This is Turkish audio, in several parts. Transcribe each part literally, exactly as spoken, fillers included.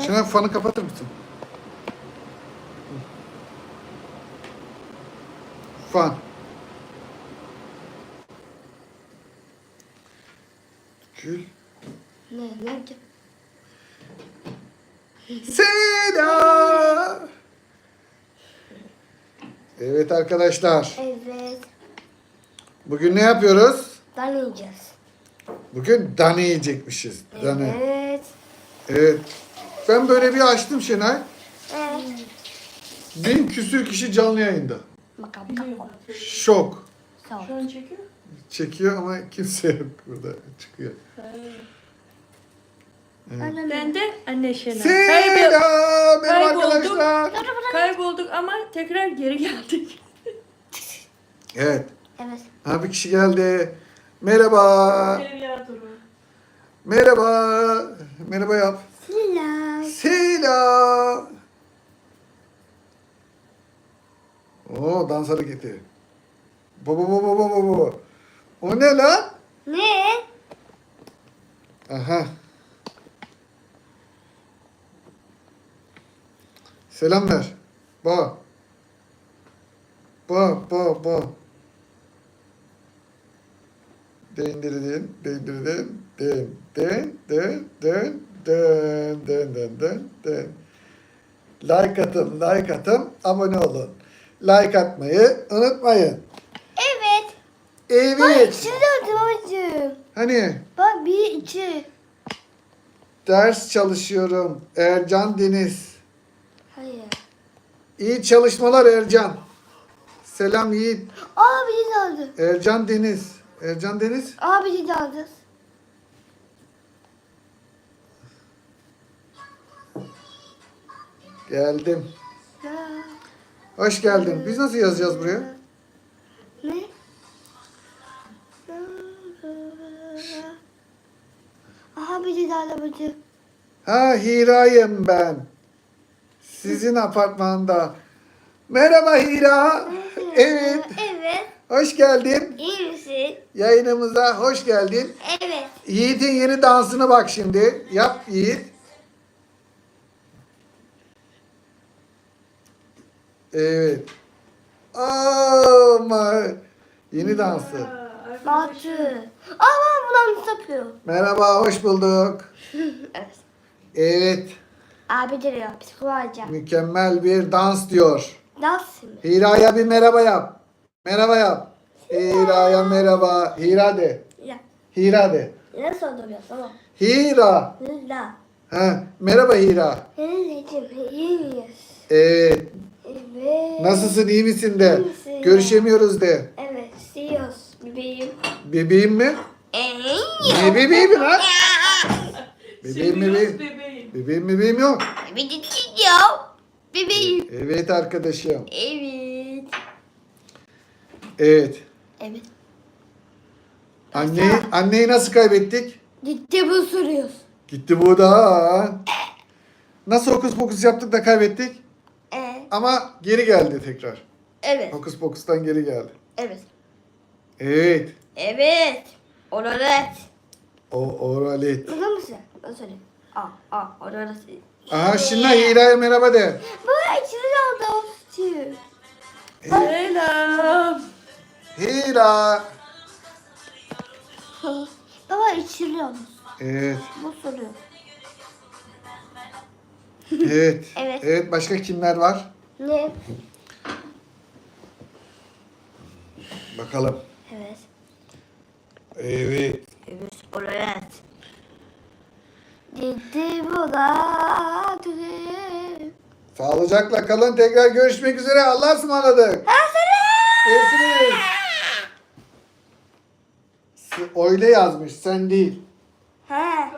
Şuna fanı kapatır mısın? Fan. Gül. Ne? Ne yapacağım? Selam. Evet arkadaşlar. Evet. Bugün ne yapıyoruz? Tanıyacağız. Bugün dane yiyecekmişiz. Dane. Evet. Evet. Ben böyle bir açtım Şenay. Evet. Bin küsür kişi canlı yayında. Bakalım bakalım. Şok. Sağ ol. Şu an çekiyor. Çekiyor ama kimse yok burada. Çıkıyor. Annem. Ben de anne Şenay. Selam benim Kaybolduk. arkadaşlar. Kaybolduk ama tekrar geri geldik. Evet. Evet. Ha bir kişi geldi. Merhaba. Evliya Duru. Merhaba. Merhaba yap. Selam. Selam. Oo dans hareketi. Baba baba baba baba. O ne lan? Ne? Aha. Selam ver. Ba. Ba ba ba. Dendirdin, dendirdin, den, den, den, den, den, den, den, den, den. Like atın, like atın, abone olun. Like atmayı unutmayın. Evet. Bak Evet. içi döndü babacığım. Hani Bak bir içi. ders çalışıyorum. Ercan Deniz. Hayır. İyi çalışmalar Ercan. Selam Yiğit. Aa biri daldı. Ercan Deniz. Ercan Deniz. Aa biri daldı. Geldim. Ha. Hoş geldin. Biz nasıl yazacağız buraya? Ne? Aha biri daldı babacığım. Ha Hira'yım ben. Sizin apartmanda. Merhaba Hira. Evet. Evet. Hoş geldin. İyi misin? Yayınımıza hoş geldin. Evet. Yiğit'in yeni dansını bak şimdi. Yap Yiğit. Evet. Ama yeni dansı. Batı. Aa bulan sapıyor. Merhaba, hoş bulduk. Evet. Evet, Abi diyor psikoloğa. mükemmel bir dans diyor. Dans mı? Hira'ya bir merhaba yap. Merhaba yap. Hira'ya merhaba. Hira de. Ya. Hira de. Ne soruyorsun tamam. Hira. La. Ha, merhaba Hira. Anneciğim iyi miyiz? Evet. Evet. Nasılsın, iyi misin de? İyi misin? Görüşemiyoruz de. Evet. Siyoruz bebeğim. Bebeğim mi? Eee. Ne bebeğim lan? Bebeğim Seviyoruz bebeğim. bebeğim. Bebeğim bebeğim yok. Bebeğim ya. Bebeğim. Evet arkadaşım. Evet. Evet. Evet. Anneyi, anneyi nasıl kaybettik? Gitti bu soruyoruz. Gitti bu da. Nasıl hokus pokus yaptık da kaybettik? Ee, Ama geri geldi tekrar. evet. Hokus pokustan geri geldi. Evet. Evet. Evet. Oralet. O oralet. Burada mısın? Ben söyleyeyim. Aa, aa, oralet. Aha şimdi Hira'ya merhaba de. Bu içinde aldı istiyor. Selam. Hira. Baba içiriyor. Evet. Bu soruyor. Evet. Evet. Evet başka kimler var? Ne? Bakalım. Evet. Evet. Evet. Oralet. Gitti bu da. Sağlıcakla kalın. Tekrar görüşmek üzere. Allah'a ısmarladık. Görüşürüz. Öyle yazmış. Sen değil. He.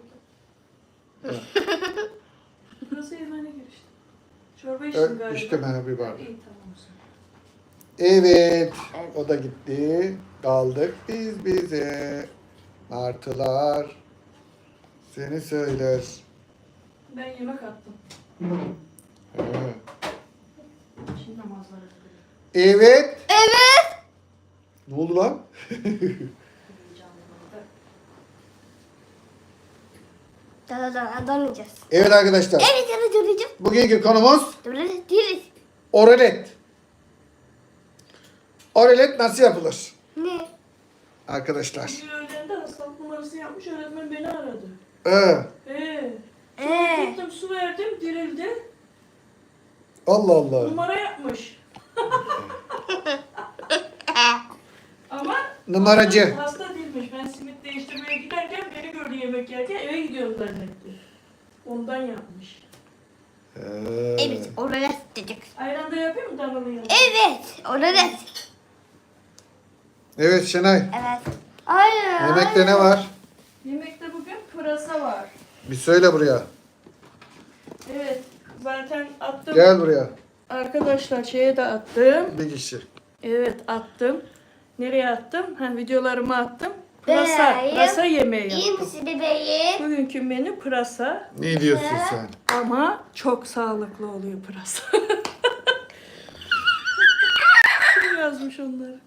Burası yemeğine girişti. Çorba Ö, içtim galiba. İçtim ha bir bardak. İyi tamam o zaman. Evet. Evet. O da gitti. Kaldık biz bize. Martılar. Seni söyler. Ben yemek attım. He. Şimdi namazlara gidiyorum. Evet. Evet. Ne oldu lan? Heyecanlandım. Sana da döneceğiz. Evet arkadaşlar. Evet evet döneceğiz. Bugünkü konumuz Döneceğiz. Değiliz. oralet. Oralet nasıl yapılır? Ne? Arkadaşlar. Bir öğlende hastalık numarası yapmış, öğretmen beni aradı. Ee, Ee, Ee. gittim su verdim, dirildi. Allah Allah. Numara yapmış. Ama Numaracı. hasta, hasta değilmiş. Ben simit değiştirmeye giderken beni gördü yemek yerken eve gidiyorum zannetti. Ondan yapmış. Ee, Evet oralet dedik. Ayran da yapayım mı danalı yanına? Evet oralet. Evet Şenay. Evet. Hayır. Yemekte ne var? Yemekte bugün pırasa var. Bir söyle buraya. Evet, zaten attım. Gel buraya. Arkadaşlar şeye de attım. Bir kişi. Evet attım. Nereye attım? Ha, videolarıma attım. Pırasa, Bebeğim. pırasa yemeği İyi yaptım. misin bebeğim? Bugünkü menü pırasa Ne diyorsun sen? ama çok sağlıklı oluyor pırasa. Kim yazmış onları?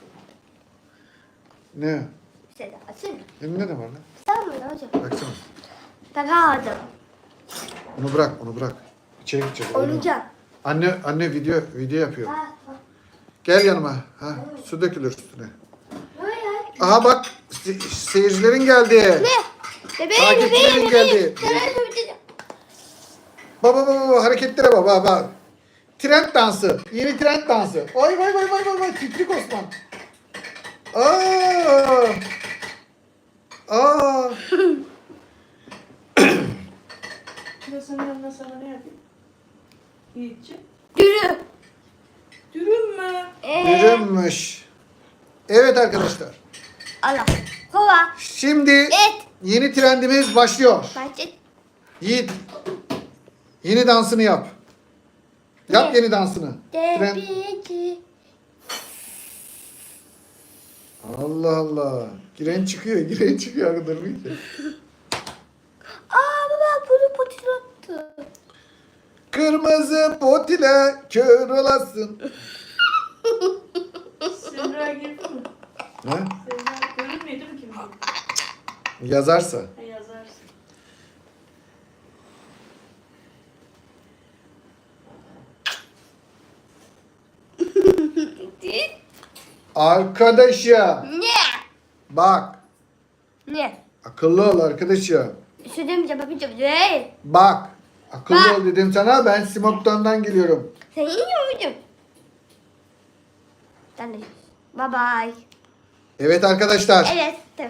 Ne? İşte de açayım mı? Elinde ne var lan? Tamam mı hocam? Baksana. Takamadım. Onu bırak, onu bırak. İçeri gidecek. oyna. Oynayacağım. Anne, anne video video yapıyor. Ha, ha. Gel yanıma. Ha, su dökülür üstüne. Hayır. Aha bak, se- seyircilerin geldi. Ne? Bebeğim Takipçilerin bebeğim bebeğim. geldi. Bebeğim bebeğim. Baba baba baba hareketlere bak bak bak. Trend dansı. Yeni trend dansı. Ay vay vay vay vay vay. Titrik Osman. Aa. Aa. Pırasanın yanına sana ne yapayım? Yiğitçi. Dürü. Dürüm mü? Ee, Yürümüş. Evet arkadaşlar. Allah. Kova. Şimdi Et. yeni trendimiz başlıyor. Bahçe. Yiğit. Yeni dansını yap. Yap Ne? yeni dansını. Trend. Debici. Allah Allah. Giren çıkıyor, giren çıkıyor. Durmuyor ki. Aa baba bunu patilattı. Kırmızı potile kör olasın. Semra girdi mi? Ha? Semra görünmüyor değil mi kim? Yazarsa. Ha, yazarsın. Arkadaşım. Ne? Bak. Ne? Akıllı ol arkadaşım. Söylemeyeceğim babacığım değil. Bak. Akıllı Bak. ol dedim sana. Ben Simok'tan'dan geliyorum. Sen iyi mi babacığım? Ben de. Bye bye. Evet arkadaşlar. Evet. Tamam.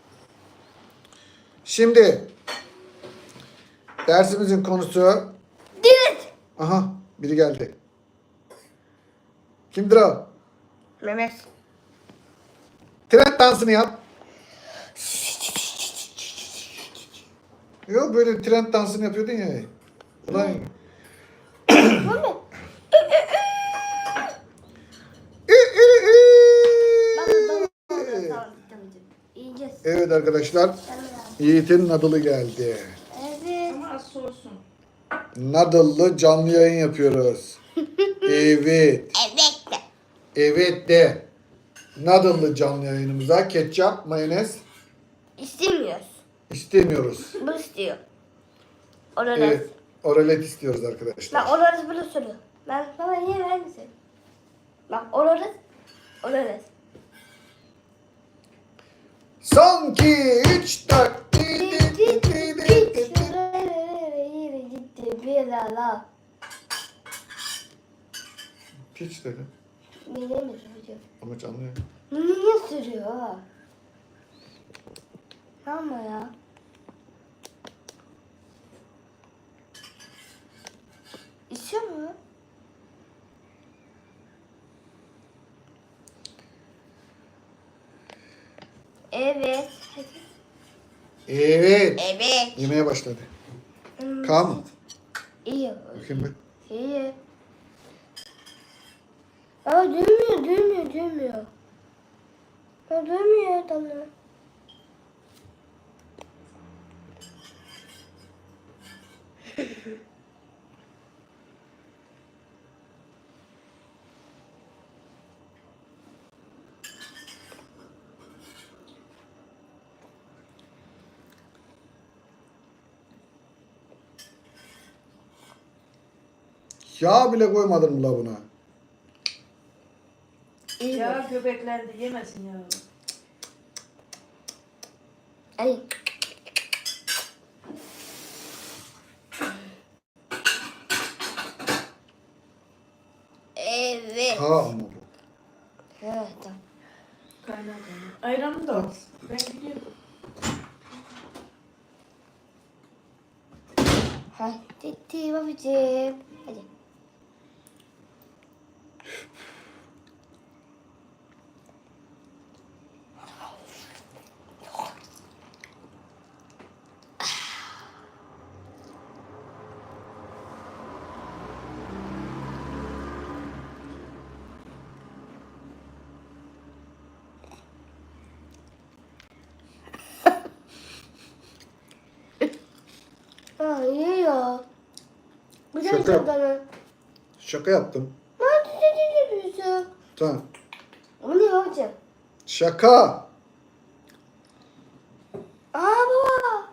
Şimdi dersimizin konusu. Dürüst. Aha biri geldi. Kimdir o? Mehmet. Trend dansını yap. Yok böyle trend dansını yapıyordun ya. Ulan. Mehmet. Bak tamam. Tamam. Tamam. Yiyeceğiz. Evet arkadaşlar. Yiğit'in nadılı geldi. Evet. Ama az soğusun. Nadıllı canlı yayın yapıyoruz. Evet. Evet. Evet de. Nadıllı canlı yayınımıza ketçap, mayonez İstemiyoruz. istemiyoruz. Bu istiyor. Oralet. Evet. Oralet istiyoruz arkadaşlar. Bak oralet bunu soruyor. Ben baba niye ver misin? Bak oralet. Oralet. Son iki, üç, dört. Bir ala. Piç dedim. Niye mi sürüyor? Ama canlı yayın. Niye sürüyor? Ama ya. İçiyor mu? Evet. Evet. Evet. Yemeye başladı. Hmm, Kaan mı? İyi. Bakayım bir. İyi. Aa dönmüyor, dönmüyor, dönmüyor. Aa dönmüyor adamlar. Yağ bile koymadın mı la buna? İyi Ya ya. köpekler de yemesin ya. Ay. Evet. Ha ama bu. Evet tamam. Kaynar kaynar. Ayranı da al. Ben gidiyorum. Hadi babacığım. Hadi. Aa iyi ya. Güzel Şaka. şaka. Şaka yaptım. Hadi dedi bize. Tamam. Ama ne babacığım? Şaka. Aa baba.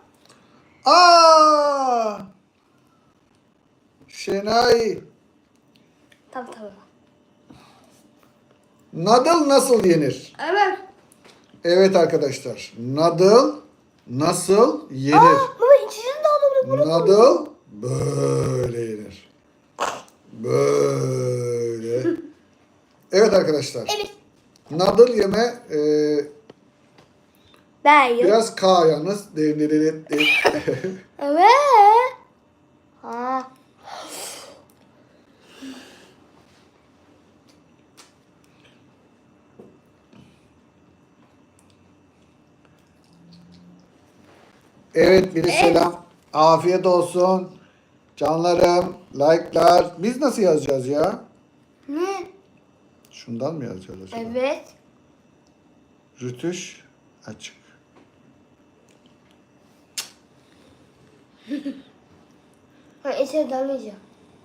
Aa! Şenay. Tamam tamam. Nadıl nasıl yenir? Evet. Evet arkadaşlar. Nadıl nasıl yenir? Aa baba içini de alabilir. Nadıl böyle yenir. Böyle. Evet arkadaşlar. Evet. Nadıl yeme e, Ben yok. biraz K yalnız. Dev, dev, dev, dev. Evet. Ha. Evet biri selam. Afiyet olsun. Canlarım, like'lar. Biz nasıl yazacağız ya? Ne? Şundan mı yazacağız acaba? Evet. Rütüş açık. Ha içeri dalmayacağım.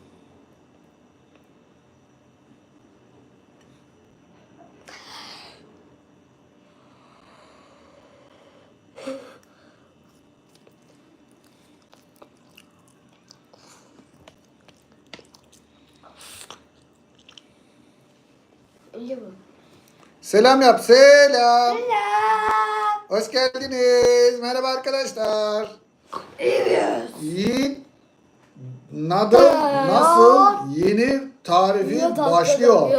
İyi bu. Selam yap, selam. Selam. Hoş geldiniz. Merhaba arkadaşlar. Yiğit nadıl nasıl yenir tarifi başlıyor.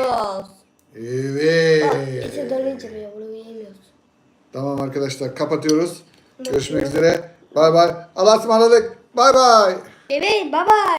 Evet. İçeri dalmayacağım ya. Bunu yiyemiyoruz. Tamam arkadaşlar kapatıyoruz. Görüşmek üzere. Bay bay. Allah'a ısmarladık. Bay bay. Bebeğim baba.